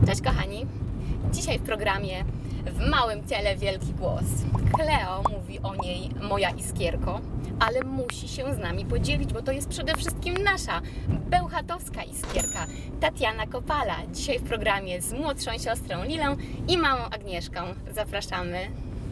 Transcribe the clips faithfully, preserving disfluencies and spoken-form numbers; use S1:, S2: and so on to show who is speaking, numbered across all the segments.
S1: Cześć kochani! Dzisiaj w programie W małym ciele wielki głos. Kleo mówi o niej moja iskierko, ale musi się z nami podzielić, bo to jest przede wszystkim nasza bełchatowska iskierka, Tatiana Kopala. Dzisiaj w programie z młodszą siostrą Lilą i mamą Agnieszką. Zapraszamy!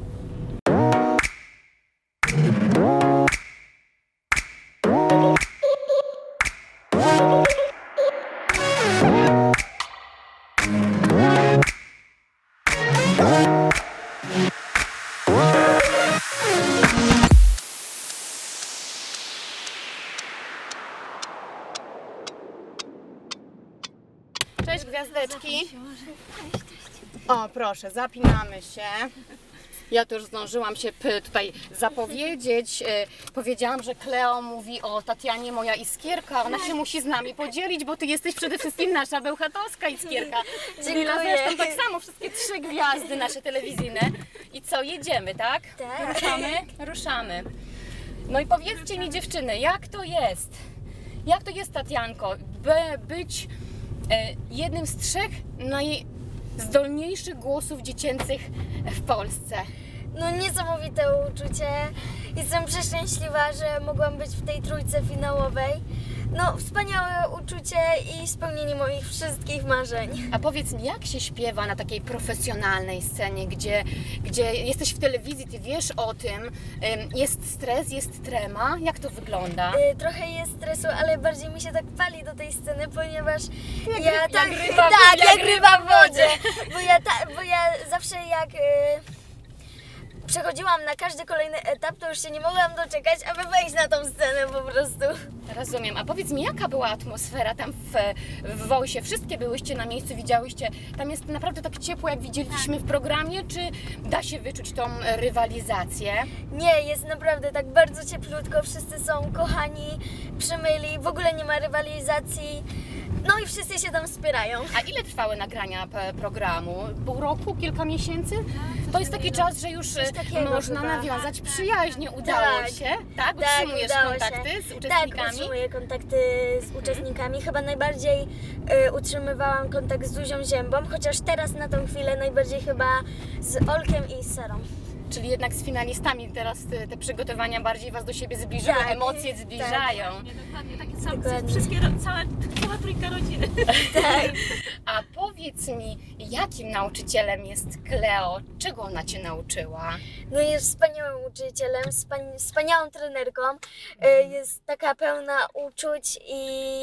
S1: Cześć gwiazdeczki. O proszę, zapinamy się. Ja to już zdążyłam się p- tutaj zapowiedzieć. E, powiedziałam, że Kleo mówi o Tatianie moja iskierka. Ona się musi z nami podzielić, bo ty jesteś przede wszystkim nasza bełchatowska iskierka. Lila zresztą tak samo, wszystkie trzy gwiazdy nasze telewizyjne. I co, jedziemy, tak?
S2: Tak.
S1: Ruszamy? Ruszamy. No i powiedzcie mi dziewczyny, jak to jest? Jak to jest, Tatianko, by być e, jednym z trzech najzdolniejszych głosów dziecięcych w Polsce?
S2: No niesamowite uczucie. Jestem przeszczęśliwa, że mogłam być w tej trójce finałowej. No wspaniałe uczucie i spełnienie moich wszystkich marzeń.
S1: A powiedz mi, jak się śpiewa na takiej profesjonalnej scenie, gdzie, gdzie jesteś w telewizji, ty wiesz o tym, ym, jest stres, jest trema, jak to wygląda?
S2: Y, trochę jest stresu, ale bardziej mi się tak pali do tej sceny, ponieważ
S1: Jak
S2: ja
S1: ryb-
S2: tak,
S1: jak ryba w-
S2: tak,
S1: jak
S2: jak
S1: ryba
S2: ryba
S1: w
S2: w
S1: wodzie.
S2: wodzie. Bo ja, ta, bo ja zawsze jak y, przechodziłam na każdy kolejny etap, to już się nie mogłam doczekać, aby wejść na tą scenę po prostu.
S1: Rozumiem. A powiedz mi, jaka była atmosfera tam w, w Wojsie? Wszystkie byłyście na miejscu, widziałyście. Tam jest naprawdę tak ciepło, jak widzieliśmy w programie, czy da się wyczuć tą rywalizację?
S2: Nie, jest naprawdę tak bardzo cieplutko, wszyscy są kochani, przymyli, w ogóle nie ma rywalizacji, no i wszyscy się tam wspierają.
S1: A ile trwały nagrania p- programu? Pół roku? Kilka miesięcy? To jest taki czas, że już
S2: Coś takiego
S1: można
S2: chyba.
S1: nawiązać przyjaźnie. Udało
S2: Tak.
S1: się? Tak?
S2: Tak,
S1: Utrzymujesz
S2: udało
S1: kontakty
S2: się.
S1: z
S2: Tak,
S1: uczestnikami?
S2: utrzymuję kontakty z uczestnikami. Chyba najbardziej y, utrzymywałam kontakt z Zuzią Ziębą, chociaż teraz na tą chwilę najbardziej chyba z Olkiem i z Sarą.
S1: Czyli jednak z finalistami teraz te, te przygotowania bardziej Was do siebie zbliżyły,
S2: Tak,
S1: emocje zbliżają.
S3: Nie, dokładnie, takie same,
S2: Dokładnie.
S3: wszystkie, ro- cała, cała trójka rodziny.
S2: Tak.
S1: A powiedz mi, jakim nauczycielem jest Kleo? Czego ona Cię nauczyła?
S2: No jest wspaniałym uczycielem, wspani- wspaniałą trenerką, y, jest taka pełna uczuć i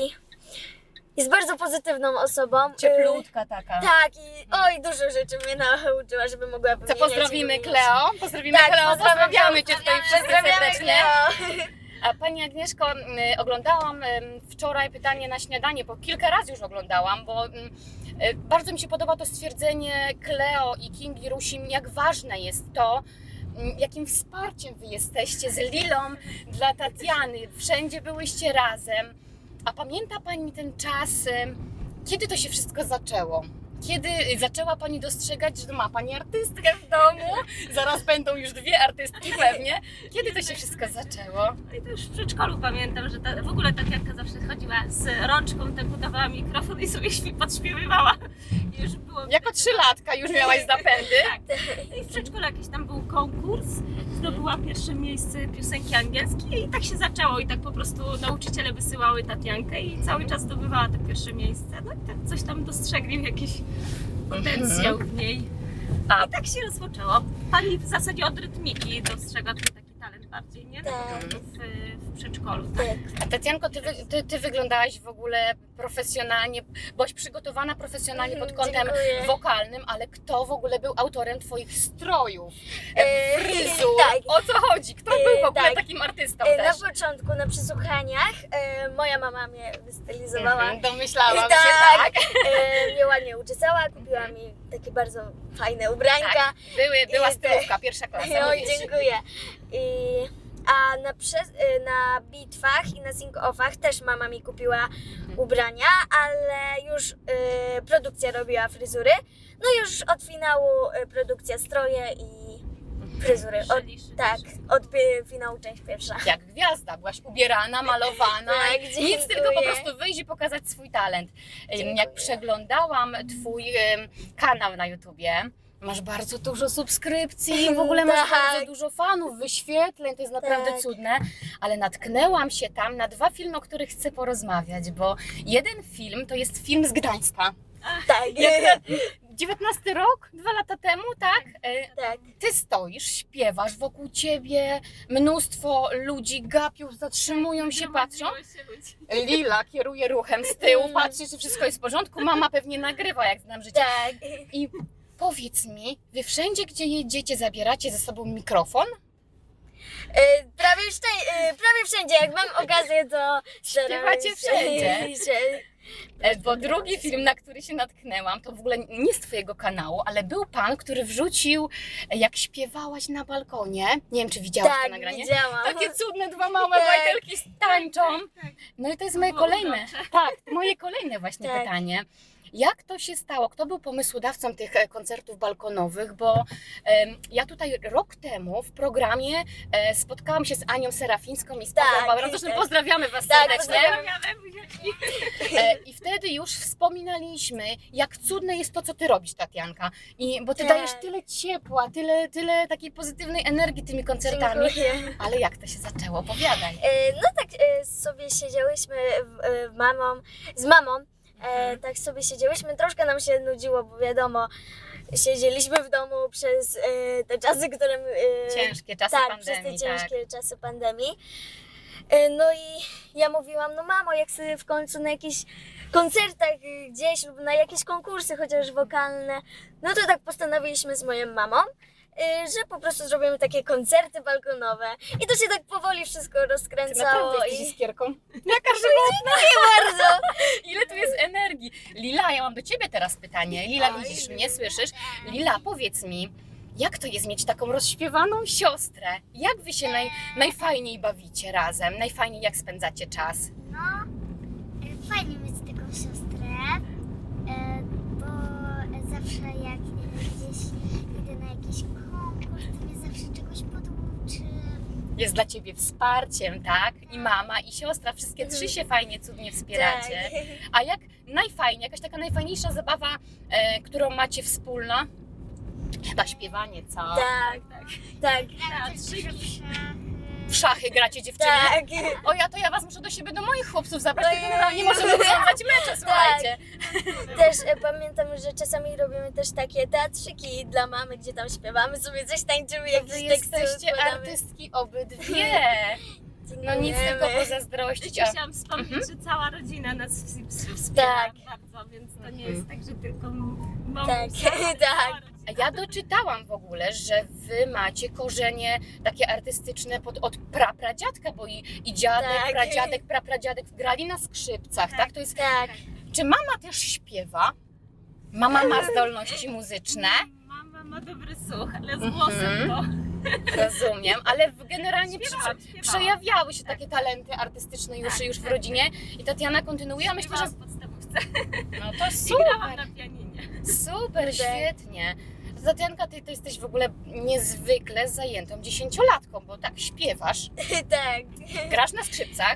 S2: jest bardzo pozytywną osobą. Y,
S1: Cieplutka taka.
S2: Tak, i oj, dużo rzeczy mnie nauczyła, żeby mogła
S1: Co,
S2: wymieniać
S1: pozdrowimy
S2: i wymieniać.
S1: Kleo? Pozdrowimy
S2: Tak,
S1: Kleo,
S2: pozdrawiam,
S1: pozdrawiamy Cię tutaj wszyscy
S2: pozdrawiamy
S1: serdecznie.
S2: Kleo.
S1: A Pani Agnieszko, y, oglądałam y, wczoraj pytanie na śniadanie, bo kilka razy już oglądałam, bo y, y, bardzo mi się podoba to stwierdzenie Kleo i Kingi Rusin, jak ważne jest to, y, jakim wsparciem Wy jesteście z Lilą dla Tatiany. Wszędzie byłyście razem. A pamięta Pani ten czas, y, kiedy to się wszystko zaczęło? Kiedy zaczęła Pani dostrzegać, że ma Pani artystkę w domu? Zaraz będą już dwie artystki pewnie. Kiedy to się wszystko zaczęło?
S3: No i to już w przedszkolu pamiętam, że ta, w ogóle Tatianka zawsze chodziła z rączką, tak udawała mikrofon i sobie śpi- podśpiewywała. I już było...
S1: Jako trzylatka już miałaś zapędy.
S3: Tak. No i w przedszkolu jakiś tam był konkurs, zdobyła pierwsze miejsce piosenki angielskiej i tak się zaczęło i tak po prostu nauczyciele wysyłały Tatiankę i cały czas zdobywała te pierwsze miejsce. No i tak coś tam dostrzegli, jakiś potencjał w niej.
S1: A
S3: I tak się rozpoczęło. Pani w zasadzie od rytmiki dostrzegła ten taki talent bardziej, nie?
S2: Tak.
S3: W, w przedszkolu. Tak.
S2: Tak.
S1: A Tatianko, ty, wy- ty, ty wyglądałaś w ogóle profesjonalnie, byłaś przygotowana profesjonalnie pod kątem
S2: Dziękuję.
S1: wokalnym, ale kto w ogóle był autorem Twoich strojów,
S2: E,
S1: fryzur?
S2: tak.
S1: O co chodzi? Kto
S2: E,
S1: był w ogóle
S2: tak.
S1: takim artystą
S2: E,
S1: też?
S2: Na początku, na przesłuchaniach, e, moja mama mnie wystylizowała.
S1: Mhm, domyślałam
S2: Tak.
S1: się, tak.
S2: E, mnie ładnie uczesała, kupiła mi takie bardzo fajne ubranka.
S1: Tak. Były, była
S2: I te-
S1: stylówka, pierwsza klasa.
S2: Oj,
S1: mówię ci.
S2: dziękuję. I, a na, przez, y, na bitwach i na sing-offach też mama mi kupiła ubrania, ale już y, produkcja robiła fryzury. No już od finału y, produkcja stroje i Fryzury. Od,
S3: Szeli,
S2: tak, od pi- finału część pierwsza.
S1: Jak gwiazda, byłaś ubierana, malowana.
S2: Tak,
S1: Nic,
S2: dziękuję.
S1: tylko po prostu wyjść i pokazać swój talent. Ym,
S2: Dziękuję.
S1: Jak przeglądałam twój ym, kanał na YouTubie, masz bardzo dużo subskrypcji, w ogóle masz
S2: Tak.
S1: bardzo dużo fanów, wyświetleń, to jest naprawdę
S2: Tak.
S1: cudne, ale natknęłam się tam na dwa filmy, o których chcę porozmawiać, bo jeden film to jest film z Gdańska.
S2: Tak,
S1: Jak- dziewiętnasty rok, dwa lata temu, tak? E,
S2: tak.
S1: Ty stoisz, śpiewasz, wokół ciebie mnóstwo ludzi gapiów, zatrzymują się, patrzą.
S3: Gromadziło się ludzi.
S1: Lila kieruje ruchem z tyłu,
S2: Mm.
S1: patrzy, czy wszystko jest w porządku. Mama pewnie nagrywa, jak znam życie.
S2: Tak.
S1: I powiedz mi, wy wszędzie, gdzie jedziecie, zabieracie ze sobą mikrofon?
S2: E, Prawie, wszędzie, e, prawie wszędzie, jak mam okazję, to staram
S1: Śpiewacie
S2: się-
S1: wszędzie.
S2: się-
S1: E, Bo drugi film, na który się natknęłam, to w ogóle nie z twojego kanału, ale był pan, który wrzucił, e, jak śpiewałaś na balkonie. Nie wiem, czy widziałaś to
S2: Tak,
S1: nagranie.
S2: widziałam.
S1: Takie cudne dwa małe
S2: Tak.
S1: bajtelki tańczą.
S3: Tak.
S1: No i to jest moje
S3: było
S1: kolejne,
S3: urocze.
S1: tak, moje kolejne właśnie
S2: Tak.
S1: pytanie. Jak to się stało? Kto był pomysłodawcą tych e, koncertów balkonowych? Bo em, ja tutaj rok temu w programie e, spotkałam się z Anią Serafińską i z Pawłem
S2: Tak,
S1: Bauerem. Zresztą
S2: tak.
S1: pozdrawiamy Was
S2: Tak,
S1: serdecznie.
S3: Pozdrawiamy, buziaczki.
S1: E, I wtedy już wspominaliśmy, jak cudne jest to, co Ty robisz, Tatianka. I, bo Ty
S2: Tak.
S1: dajesz tyle ciepła, tyle, tyle takiej pozytywnej energii tymi koncertami.
S2: Dziękuję.
S1: Ale jak to się zaczęło? Opowiadaj.
S2: E, No tak e, sobie siedziałyśmy w, e, w mamą, z mamą, e,
S1: Mhm.
S2: tak sobie siedziałyśmy, troszkę nam się nudziło, bo wiadomo, siedzieliśmy w domu przez e, te czasy, które... e,
S1: Ciężkie czasy
S2: tak,
S1: pandemii,
S2: przez te
S1: tak.
S2: ciężkie czasy pandemii. E, No i ja mówiłam, no mamo, jak sobie w końcu na jakichś koncertach y, gdzieś lub na jakieś konkursy chociaż wokalne, no to tak postanowiliśmy z moją mamą, y, że po prostu zrobimy takie koncerty balkonowe. I to się tak powoli wszystko
S1: Ty
S2: rozkręcało
S1: naprawdę jesteś
S2: i
S1: iskierką. Jaka żywotna!
S2: bardzo.
S1: Ile tu jest energii? Lila, ja mam do Ciebie teraz pytanie. Lila,
S2: Oj.
S1: widzisz mnie, słyszysz? Lila, powiedz mi, jak to jest mieć taką rozśpiewaną siostrę? Jak Wy się naj, najfajniej bawicie razem? Najfajniej jak spędzacie czas?
S4: No, e, fajnie mieć taką siostrę, e, bo zawsze jak e, gdzieś idę na jakiś konkurs, to mnie zawsze czegoś poduczy.
S1: Jest dla Ciebie wsparciem, tak? I mama, i siostra, wszystkie trzy się fajnie, cudnie wspieracie.
S2: Tak.
S1: A jak najfajniej, jakaś taka najfajniejsza zabawa, e, którą macie wspólna? Chyba śpiewanie, co?
S2: Tak, tak,
S4: Gramy też
S3: Teatrzyki.
S4: dużo w szachy.
S1: W szachy gracie, dziewczyny?
S2: tak.
S1: O ja to ja was muszę do siebie, do moich chłopców zabrać,
S2: Ojej.
S1: to generalnie możemy oglądać mecze, słuchajcie.
S2: Też e, pamiętam, że czasami robimy też takie teatrzyki dla mamy, gdzie tam śpiewamy sobie coś, tańczymy,
S1: Wy
S2: jakieś teksty
S1: jesteście
S2: układamy.
S1: artystki obydwie. No nic
S2: Dziękujemy.
S1: tylko pozazdrościć. A
S3: Chciałam wspomnieć, że cała rodzina nas ws- ws- wspiera
S2: Tak.
S3: bardzo, więc to nie
S1: Mhm.
S3: jest tak, że tylko mąż.
S2: Tak, tak.
S1: A ja doczytałam w ogóle, że wy macie korzenie takie artystyczne pod, od prapradziadka, bo i, i dziadek,
S2: Tak.
S1: pradziadek, prapradziadek grali na skrzypcach, tak?
S3: Tak.
S1: To jest,
S2: Tak.
S1: czy mama też śpiewa? Mama ma zdolności muzyczne?
S3: Mama ma dobry słuch, ale z
S1: Mhm.
S3: głosem to
S1: Rozumiem, ale w- generalnie przy,
S3: śpiewałam, śpiewałam.
S1: przejawiały się takie talenty artystyczne już,
S3: Tak,
S1: już w
S3: tak,
S1: rodzinie i Tatiana kontynuuje, a myślę, że
S3: Śpiewałam w podstawówce
S1: no to
S3: i grałam
S1: super,
S3: na pianinie.
S1: super, świetnie. Tatianka, ty, ty jesteś w ogóle niezwykle zajętą dziesięciolatką, bo tak śpiewasz,
S2: Tak.
S1: grasz na skrzypcach,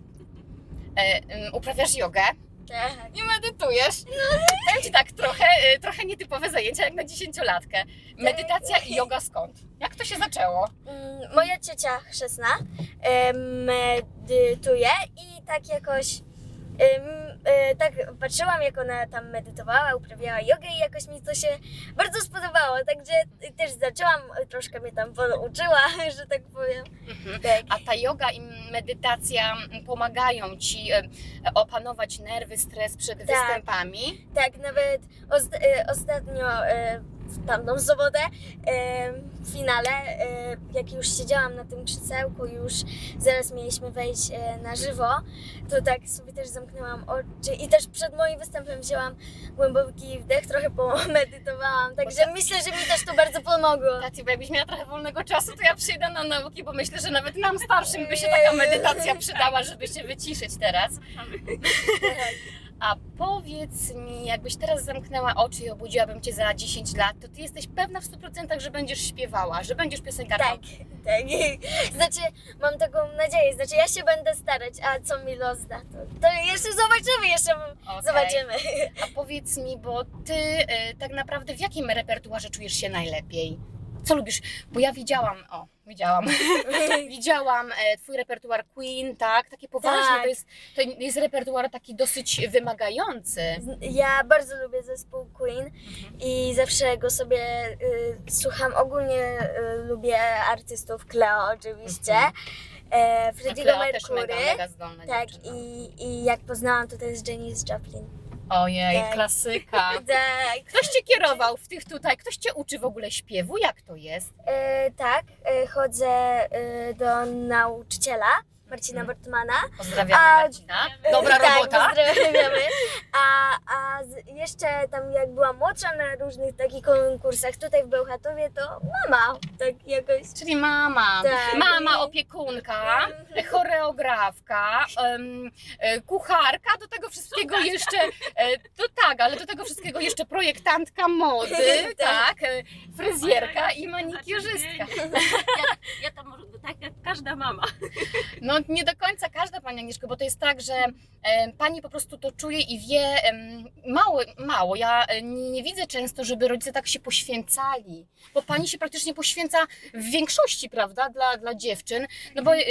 S1: e, um, uprawiasz jogę
S2: Tak.
S1: i medytujesz. Powiem Ci tak, trochę, e, trochę nietypowe zajęcia jak na dziesięciolatkę. Medytacja i joga skąd? Jak to się zaczęło?
S2: Mm, Moja ciocia chrzestna e, medytuje i tak jakoś em, e, tak patrzyłam, jak ona tam medytowała, uprawiała jogę i jakoś mi to się bardzo spodobało, także też zaczęłam, troszkę mnie tam pouczyła, że tak powiem.
S1: Mhm.
S2: Tak.
S1: A ta joga i medytacja pomagają Ci e, opanować nerwy, stres przed
S2: Tak.
S1: występami?
S2: Tak, nawet ost- e, ostatnio e, w tamtą sobotę e, w finale, e, jak już siedziałam na tym krzesełku, już zaraz mieliśmy wejść e, na żywo, to tak sobie też zamknęłam oczy i też przed moim występem wzięłam głęboki wdech, trochę pomedytowałam, także myślę, że mi też to bardzo pomogło.
S1: Taci, bo jakbyś miała trochę wolnego czasu, to ja przyjdę na nauki, bo myślę, że nawet nam starszym by się taka medytacja przydała, żeby się wyciszyć teraz. A powiedz mi, jakbyś teraz zamknęła oczy i obudziłabym cię za dziesięć lat, to ty jesteś pewna w stu procentach, że będziesz śpiewała, że będziesz piosenkarką?
S2: Tak, tak. Znaczy, mam taką nadzieję. Znaczy, ja się będę starać, a co mi los da, to, to jeszcze zobaczymy, jeszcze
S1: Okej.
S2: zobaczymy.
S1: A powiedz mi, bo ty e, tak naprawdę w jakim repertuarze czujesz się najlepiej? Co lubisz? Bo ja widziałam, o, widziałam, widziałam e, twój repertuar Queen, tak? Takie poważne,
S2: Tak.
S1: to, jest, to jest repertuar taki dosyć wymagający.
S2: Ja bardzo lubię zespół Queen i zawsze go sobie y, słucham. Ogólnie y, lubię artystów, Cleo oczywiście,
S1: Mhm.
S2: e,
S1: No,
S2: Freddie'ego
S1: Cleo też mega,
S2: Mercury.
S1: mega zdolna
S2: Tak,
S1: dziewczyna.
S2: i, i jak poznałam, to to jest Janis Joplin.
S1: Ojej,
S2: tak.
S1: klasyka.
S2: Tak,
S1: Ktoś cię kierował w tych tutaj, ktoś cię uczy w ogóle śpiewu? Jak to jest?
S2: e, tak, e, chodzę e, do nauczyciela Marcina
S1: Mhm.
S2: Bortmana.
S1: Pozdrawiamy
S2: A-
S1: Marcina. Dobra
S2: tak,
S1: robota.
S2: Pozdrawiamy. A, a z, jeszcze tam jak byłam młodsza na różnych takich konkursach tutaj w Bełchatowie, to mama tak jakoś.
S1: Czyli mama,
S2: Tak.
S1: mama opiekunka, choreografka, em, e, kucharka, do tego wszystkiego jeszcze, e, to tak, ale do tego wszystkiego jeszcze projektantka mody, tak, e, fryzjerka i manikiurzystka.
S3: Ja, ja tam może tak jak każda mama.
S1: No nie do końca każda pani Agnieszko, bo to jest tak, że e, pani po prostu to czuje i wie em, mało, mało. Ja e, nie, nie widzę często, żeby rodzice tak się poświęcali, bo pani się praktycznie poświęca w większości, prawda, dla, dla dziewczyn, no bo e,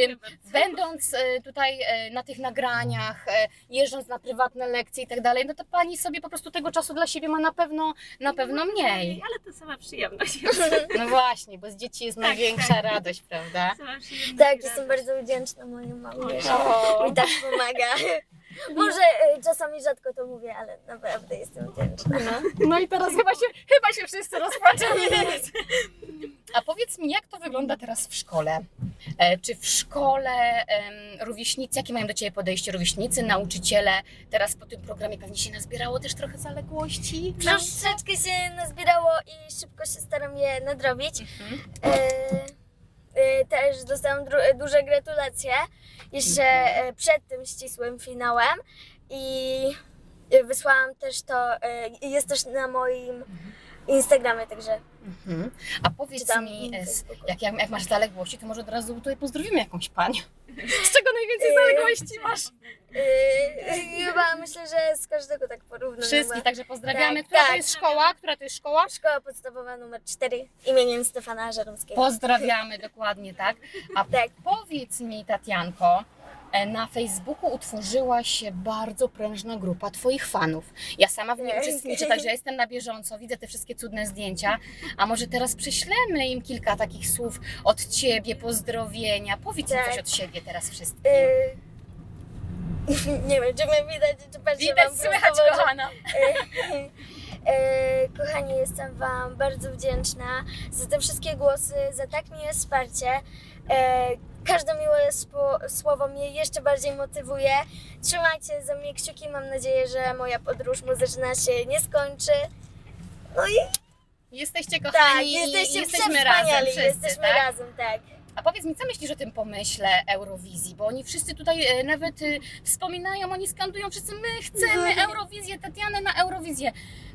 S1: będąc e, tutaj e, na tych nagraniach, e, jeżdżąc na prywatne lekcje i tak dalej, no to pani sobie po prostu tego czasu dla siebie ma na pewno, na pewno mniej.
S3: Ale to sama przyjemność.
S1: No właśnie, bo z dzieci jest
S3: Tak,
S1: największa
S3: tak.
S1: radość, prawda?
S3: Sama przyjemność
S2: Tak,
S3: i
S2: jestem
S3: radość.
S2: bardzo wdzięczna mojej mamie, że
S1: O.
S2: mi tak pomaga. Może e, czasami rzadko to mówię, ale naprawdę jestem wdzięczna.
S1: No, no i teraz chyba się, chyba się wszyscy rozpaczali. A powiedz mi, jak to wygląda teraz w szkole? E, czy w szkole em, rówieśnicy, jakie mają do Ciebie podejście rówieśnicy, nauczyciele? Teraz po tym programie pewnie się nazbierało też trochę zaległości?
S2: Troszeczkę się nazbierało i szybko się staram je nadrobić.
S1: Mhm.
S2: E, e, też dostałam dru- duże gratulacje jeszcze e, przed tym ścisłym finałem i e, wysłałam też to, e, jest też na moim Instagramie, także
S1: Mhm. A powiedz
S2: Czytam
S1: mi,
S2: na
S1: e, s-
S2: Facebooku.
S1: jak, jak, jak masz zaległości, to może od razu tutaj pozdrowimy jakąś panią. Z czego najwięcej zaległości masz?
S2: e, chyba myślę, że z każdego tak porównam.
S1: Wszystkich, także pozdrawiamy.
S2: Tak,
S1: Która to
S2: tak.
S1: jest szkoła? Która to jest szkoła?
S2: Szkoła podstawowa numer cztery imieniem Stefana Żeromskiego.
S1: Pozdrawiamy, dokładnie tak. A
S2: Tak.
S1: powiedz mi, Tatianko, e, na Facebooku utworzyła się bardzo prężna grupa Twoich fanów. Ja sama w niej
S2: Tak.
S1: uczestniczę, także ja jestem na bieżąco, widzę te wszystkie cudne zdjęcia. A może teraz prześlemy im kilka takich słów od Ciebie, pozdrowienia. Powiedz im
S2: Tak.
S1: coś od siebie teraz wszystkim.
S2: E, nie wiem, czy mnie widać, czy patrzę
S1: Widać,
S2: wam
S1: słychać,
S2: prosto w oczy.
S1: kochana.
S2: E, e, kochani, jestem Wam bardzo wdzięczna za te wszystkie głosy, za tak miłe wsparcie. E, każde miłe spo, słowo mnie jeszcze bardziej motywuje. Trzymajcie za mnie kciuki, mam nadzieję, że moja podróż muzyczna się nie skończy. No i
S1: Jesteście
S2: tak,
S1: kochani,
S2: jesteście
S1: jesteśmy razem
S2: wspaniali,
S1: wszyscy,
S2: jesteśmy
S1: tak?
S2: razem, tak.
S1: A powiedz mi, co myślisz o tym pomyśle Eurowizji? Bo oni wszyscy tutaj e, nawet e, wspominają, oni skandują wszyscy, my chcemy
S2: Mhm.
S1: Eurowizję, Tatianę na Eurowizję.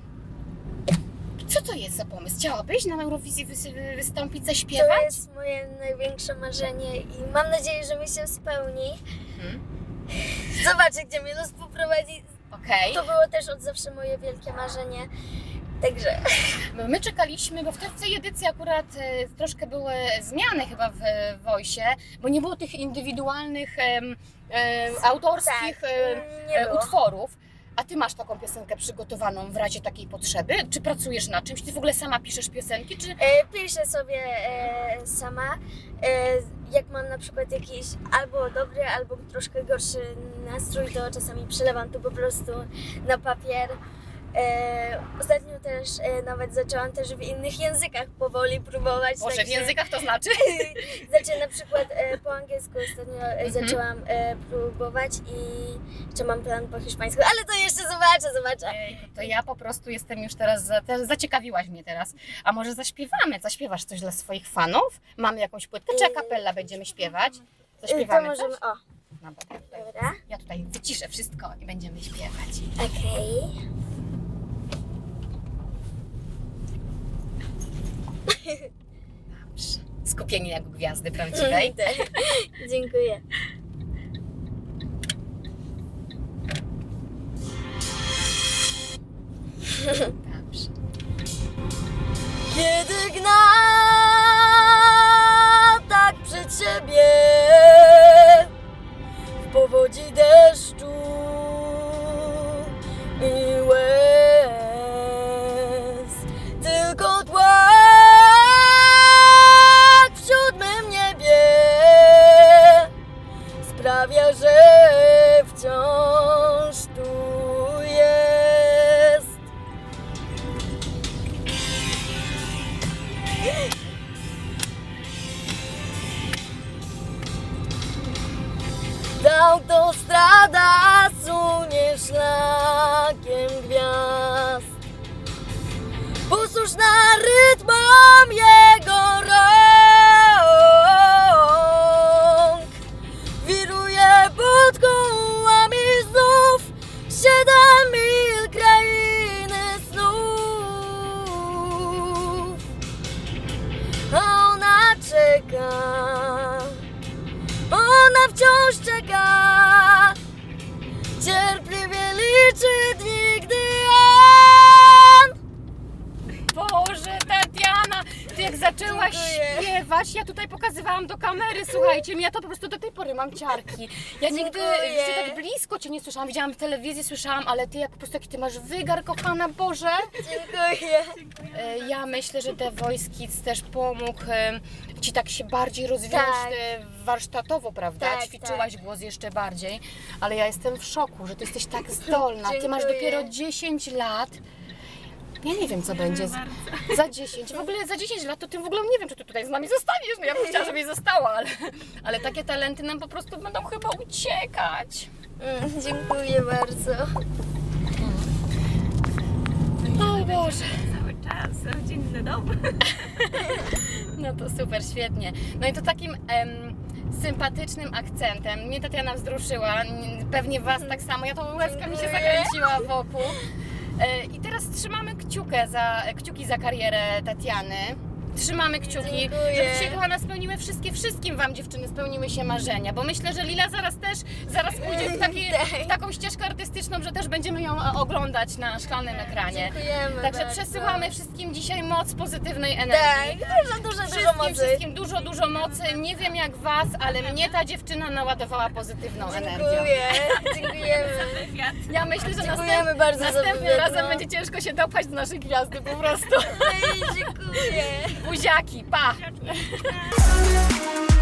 S1: Co to jest za pomysł? Chciałabyś na Eurowizji wys- wystąpić,
S2: To
S1: zaśpiewać?
S2: jest moje największe marzenie i mam nadzieję, że mi się spełni.
S1: Mhm.
S2: Zobaczę, gdzie mnie los poprowadzi.
S1: Okej.
S2: To było też od zawsze moje wielkie marzenie. Także
S1: My czekaliśmy, bo w tej, w tej edycji akurat e, troszkę były zmiany chyba w Voice, bo nie było tych indywidualnych, em, e, autorskich
S2: tak,
S1: e,
S2: nie
S1: e,
S2: było.
S1: utworów. A Ty masz taką piosenkę przygotowaną w razie takiej potrzeby? Czy pracujesz nad czymś? Ty w ogóle sama piszesz piosenki, czy...
S2: E, piszę sobie e, sama. E, jak mam na przykład jakiś albo dobry, albo troszkę gorszy nastrój, to czasami przelewam to po prostu na papier. E, ostatnio też e, nawet zaczęłam też w innych językach powoli próbować.
S1: Boże, w
S2: także-
S1: językach to znaczy?
S2: Znaczy na przykład e, po angielsku ostatnio e,
S1: Mhm.
S2: zaczęłam e, próbować i jeszcze mam plan po hiszpańsku, ale to jeszcze zobaczę, zobaczę.
S1: Ejku, to ja po prostu jestem już teraz, za, te, zaciekawiłaś mnie teraz. A może zaśpiewamy? Zaśpiewasz coś dla swoich fanów? Mamy jakąś płytkę, czy a cappella będziemy śpiewać?
S2: E, to
S1: Zaśpiewamy
S2: możemy,
S1: coś?
S2: o,
S1: Dobra, ja tutaj,
S2: Dobra.
S1: ja tutaj wyciszę wszystko i będziemy śpiewać.
S2: Okej.
S1: Dobrze. Skupienie jak u gwiazdy prawdziwej.
S2: Dziękuję.
S1: Dobrze.
S2: Kiedy gna tak przed siebie w powodzi deszczu i łez, tylko tłak w siódmym niebie sprawia, że wciąż tu jest. Autostrada sunie szlakiem gwiazd, posłuszna rytmom jego rąk, wiruje pod kołami znów siedem mil krainy snów, a ona czeka. Ona wciąż czeka, cierpliwie liczy dni, gdy on...
S1: Boże, Tatiana, ty jak zaczęłaś
S2: Dziękuję.
S1: śpiewać, ja tutaj pokazywałam do kamery, słuchajcie, ja to po prostu do tej pory mam ciarki. Ja nigdy
S2: Dziękuję.
S1: jeszcze tak blisko cię nie słyszałam, widziałam w telewizji, słyszałam, ale ty jak po prostu jaki ty masz wygar, kochana, Boże.
S2: Dziękuję.
S1: E, Ja myślę, że The Voice Kids też pomógł e, ci tak się bardziej rozwijać
S2: Tak.
S1: e, warsztatowo, prawda?
S2: Tak,
S1: Ćwiczyłaś głos jeszcze bardziej, ale ja jestem w szoku, że ty jesteś tak zdolna. Ty masz
S2: Dziękuję.
S1: dopiero dziesięć lat. Ja nie wiem, co będzie za, za dziesięć. W ogóle za dziesięć lat to ty w ogóle nie wiem, czy ty tutaj z nami zostaniesz. No ja bym chciała, żebyś została, ale, ale takie talenty nam po prostu będą chyba uciekać.
S2: Mm, dziękuję bardzo.
S1: O Boże.
S3: Cały czas, rodzinny dom.
S1: No to super, świetnie. No i to takim em, sympatycznym akcentem. Mnie Tatiana wzruszyła, n- pewnie Was tak samo. Ja to łezka mi się
S2: Dziękuję.
S1: zakręciła wokół. E, I teraz trzymamy kciukę za, kciuki za karierę Tatiany. Trzymamy kciuki,
S2: Dziękuję.
S1: żeby się kochana spełniły wszystkie, wszystkim Wam dziewczyny spełniły się marzenia, bo myślę, że Lila zaraz też, zaraz pójdzie w, taki, w taką ścieżkę artystyczną, że też będziemy ją e, oglądać na szklanym ekranie.
S2: Dziękujemy
S1: Także
S2: bardzo.
S1: przesyłamy wszystkim dzisiaj moc pozytywnej energii.
S2: Tak, dużo, dużo, dużo
S1: Wszystkim,
S2: mocy.
S1: wszystkim dużo, dużo mocy. Nie wiem jak Was, ale mnie ta dziewczyna naładowała pozytywną energią.
S2: Dziękuję, dziękujemy.
S3: Wywiad.
S1: Ja myślę, że
S2: Dziękujemy
S1: następ,
S2: bardzo za
S1: następnym
S2: wywiad,
S1: razem
S2: no.
S1: będzie ciężko się dopchać do naszej gwiazdy po prostu.
S2: Ej, dziękuję.
S1: Buziaki, pa!
S3: Dziękuję.